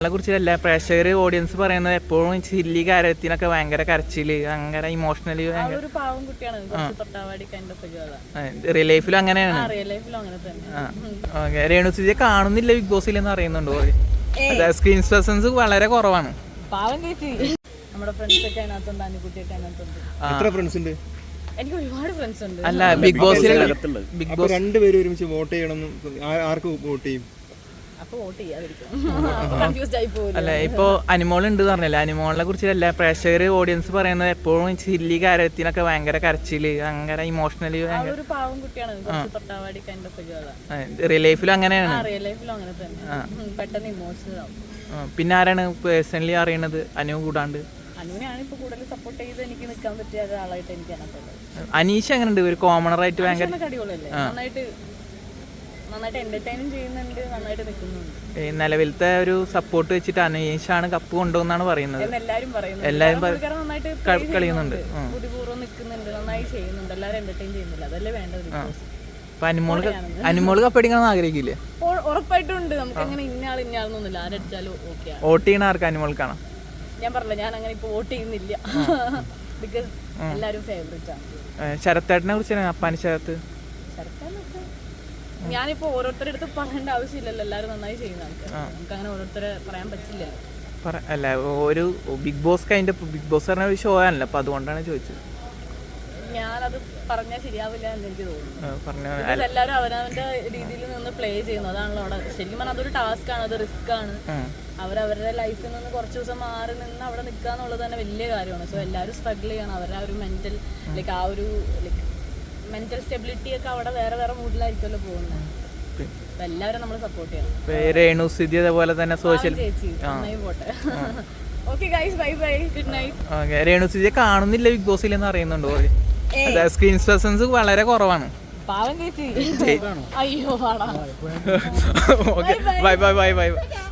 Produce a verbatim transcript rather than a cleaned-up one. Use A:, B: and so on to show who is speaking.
A: കുറിച്ച് എല്ലാ പ്രേക്ഷകർ ഓഡിയൻസ് പറയുന്നത് എപ്പോഴും ചില്ലി കാര്യത്തിനൊക്കെ ഭയങ്കര കരച്ചില് ഭയങ്കര ഇമോഷണലി റിയൽ ലൈഫിലും അങ്ങനെയാണ്. രേണു സുധിയെ കാണുന്നില്ല ബിഗ് ബോസിൽ എന്ന് അറിയുന്നുണ്ടോ? സ്ക്രീൻ പ്രസൻസ് വളരെ കുറവാണ്. അല്ല ബിഗ് ബോസിൽ ബിഗ് ബോസ്
B: രണ്ടുപേരും ഒരുമിച്ച് വോട്ട് ചെയ്യണം, ആർക്ക് വോട്ട് ചെയ്യും?
A: അല്ല ഇപ്പൊ അനിമോൾ ഉണ്ട് പറഞ്ഞല്ലേ, അനിമോളിനെ കുറിച്ച് എല്ലാ പ്രേക്ഷകർ ഓഡിയൻസ് പറയുന്നത് എപ്പോഴും ചില്ലി കാര്യത്തിനൊക്കെ ഭയങ്കര കരച്ചില് ഭയങ്കര ഇമോഷണലി റിയൽ ലൈഫിലും അങ്ങനെയാണ്. പിന്നെ ആരാണ് പേഴ്സണലി അറിയണത് അനു കൂടാണ്ട്? അനീഷ എങ്ങനെ ഉണ്ട്? ഒരു കോമണർ ആയിട്ട് ഭയങ്കര നിലവിലത്തെ ഒരു സപ്പോർട്ട് വെച്ചിട്ട് അനീഷാണ് കപ്പ് കൊണ്ടുവന്നാണ് പറയുന്നത്. എല്ലാരും കളിയുന്നുണ്ട്. അപ്പൊ അനിമോള് അനിമോള് കപ്പടിക്കണം ആഗ്രഹിക്കില്ലേ?
C: ഉറപ്പായിട്ടും ഉണ്ട്. നമുക്ക് അങ്ങനെ ഇന്നയാൾ ഇന്നയാളൊന്നുമില്ല, ആരടിച്ചാലും ഓക്കെ.
A: വോട്ട് ചെയ്യണ ആർക്ക്? അനിമോൾക്കാണോ?
C: ഞാൻ പറഞ്ഞില്ല, ഞാൻ അങ്ങനെ ഇപ്പൊ വോട്ട് ചെയ്യുന്നില്ല. ബിക്കോസ് എല്ലാരും ഫേവറേറ്റ് ആണ്.
A: ശരത്തേട്ടനെ കുറിച്ച് അപ്പാനി ശരത്ത്
C: ഞാനിപ്പോ ഓരോരുത്തരുടെ അടുത്ത് പറയേണ്ട ആവശ്യമില്ലല്ലോ, എല്ലാരും നന്നായി ചെയ്യുന്ന ആൾക്കാർ, നമുക്ക് അങ്ങനെ ഓരോരുത്തരെ പറയാൻ പറ്റില്ലല്ലോ.
A: അല്ല ഒരു big boss kind big boss പറഞ്ഞ ഒരു ഷോ ആണല്ലോ, അപ്പൊ അതുകൊണ്ടാണ് ചോദിച്ചത്.
C: ഞാനത് പറഞ്ഞാൽ ശരിയാവില്ല എന്ന് എനിക്ക് തോന്നുന്നു. എല്ലാവരും അവനവന്റെ രീതിയിൽ നിന്ന് പ്ലേ ചെയ്യുന്നു, അതാണല്ലോ അവിടെ. ശരിക്കും പറഞ്ഞാൽ അതൊരു ടാസ്ക് ആണ്, അത് റിസ്ക് ആണ്. അവരവരുടെ ലൈഫിൽ നിന്ന് കുറച്ച് ദിവസം മാറി നിന്ന് അവിടെ നിൽക്കുക എന്നുള്ളത് തന്നെ വലിയ കാര്യമാണ്. സോ എല്ലാവരും സ്ട്രഗിൾ ചെയ്യണം. അവരുടെ ആ ഒരു മെന്റൽ ലൈക്ക് ആ ഒരു ലൈക്ക് മെന്റൽ സ്റ്റെബിലിറ്റി ഒക്കെ അവിടെ വേറെ വേറെ മൂഡിലായിരിക്കുമല്ലോ പോകുന്നത്. അപ്പൊ എല്ലാവരും നമ്മൾ സപ്പോർട്ട് ചെയ്യണം.
A: രേണു സുധി അതേപോലെ തന്നെ സോഷ്യൽ
C: ചേച്ചി നന്നായി പോട്ടെ. Okay guys, bye bye, good night.
A: Renu സുധിയെ കാണുന്നില്ല ബിഗ് ബോസിൽ എന്ന് അറിയുന്നുണ്ടോ? സ്ക്രീൻ പ്രസൻസ് വളരെ കുറവാണ്.
C: പാവം ചേച്ചി. അയ്യോ
A: ബൈ ബൈ ബൈ ബൈ.